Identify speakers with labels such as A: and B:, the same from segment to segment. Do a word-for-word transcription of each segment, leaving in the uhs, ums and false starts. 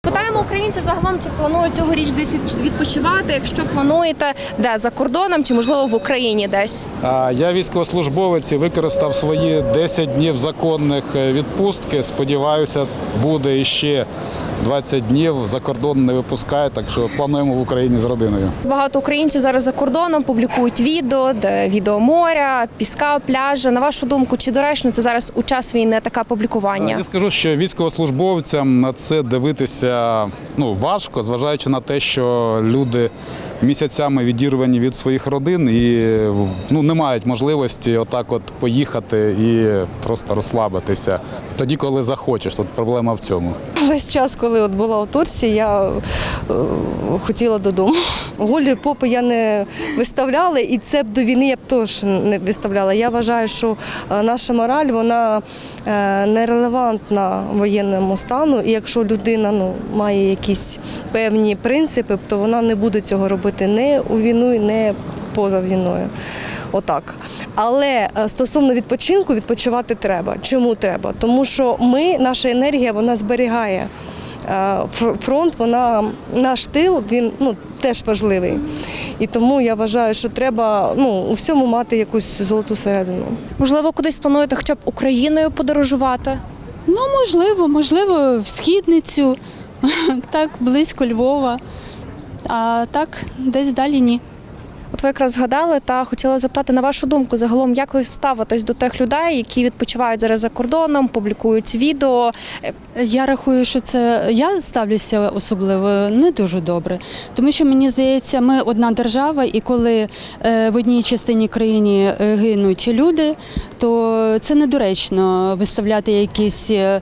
A: Питаємо українців загалом, чи планують цьогоріч десь відпочивати, якщо плануєте, де, за кордоном чи, можливо, в Україні десь?
B: Я військовослужбовець і використав свої десять днів законних відпустки. Сподіваюся, буде іще двадцять днів, за кордон не випускає, так що плануємо в Україні з родиною.
A: Багато українців зараз за кордоном публікують відео, де відео моря, піска, пляжа. На вашу думку, чи доречно це зараз у час війни таке публікування?
B: Я скажу, що військовослужбовцям на це дивитися ну, важко, зважаючи на те, що люди місяцями відірвані від своїх родин і ну, не мають можливості отак от поїхати і просто розслабитися. Тоді, коли захочеш, тут проблема в цьому.
C: Весь час, коли от була у Турції, я е, хотіла додому. Голі попи я не виставляла, і це б до війни я б теж не виставляла. Я вважаю, що наша мораль, вона е, нерелевантна воєнному стану, і якщо людина ну, має якісь певні принципи, то вона не буде цього робити не у війну, не поза війною. Отак. Але стосовно відпочинку, відпочивати треба. Чому треба? Тому що ми, наша енергія, вона зберігає. Фронт, вона, наш тил, він ну, теж важливий. І тому я вважаю, що треба ну, у всьому мати якусь золоту середину.
A: Можливо, кудись плануєте хоча б Україною подорожувати?
D: Ну, можливо, можливо, в Східницю, так, близько Львова, а так, десь далі ні.
A: От ви якраз згадали та хотіла запитати, на вашу думку, загалом, як ви ставитесь до тих людей, які відпочивають зараз за кордоном, публікують відео?
D: Я рахую, що це я ставлюся особливо не дуже добре, тому що мені здається, ми одна держава, і коли в одній частині країни гинуть люди, то це недоречно виставляти якісь е,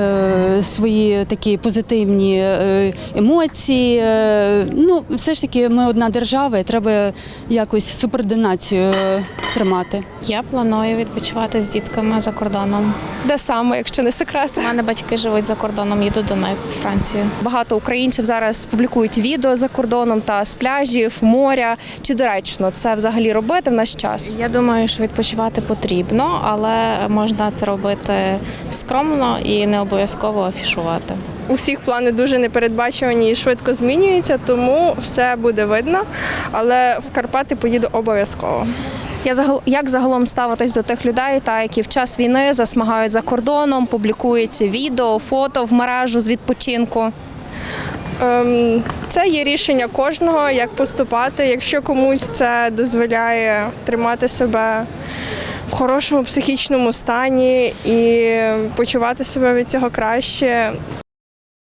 D: свої такі позитивні емоції. Ну, все ж таки, ми одна держава, і треба якось субординацію тримати.
E: Я планую відпочивати з дітками за кордоном.
A: Де саме, якщо не секрет?
E: У мене батьки живуть за кордоном, їду до них у Францію.
A: Багато українців зараз публікують відео за кордоном та з пляжів, моря. Чи доречно це взагалі робити в наш час?
E: Я думаю, що відпочивати потрібно, але можна це робити скромно і не обов'язково афішувати.
F: У всіх плани дуже непередбачувані і швидко змінюються, тому все буде видно, але в Карпати поїду обов'язково.
A: Я загал... Як загалом ставитись до тих людей, та які в час війни засмагають за кордоном, публікують відео, фото в мережу з відпочинку?
F: Ем, це є рішення кожного, як поступати. Якщо комусь це дозволяє тримати себе в хорошому психічному стані і почувати себе від цього краще,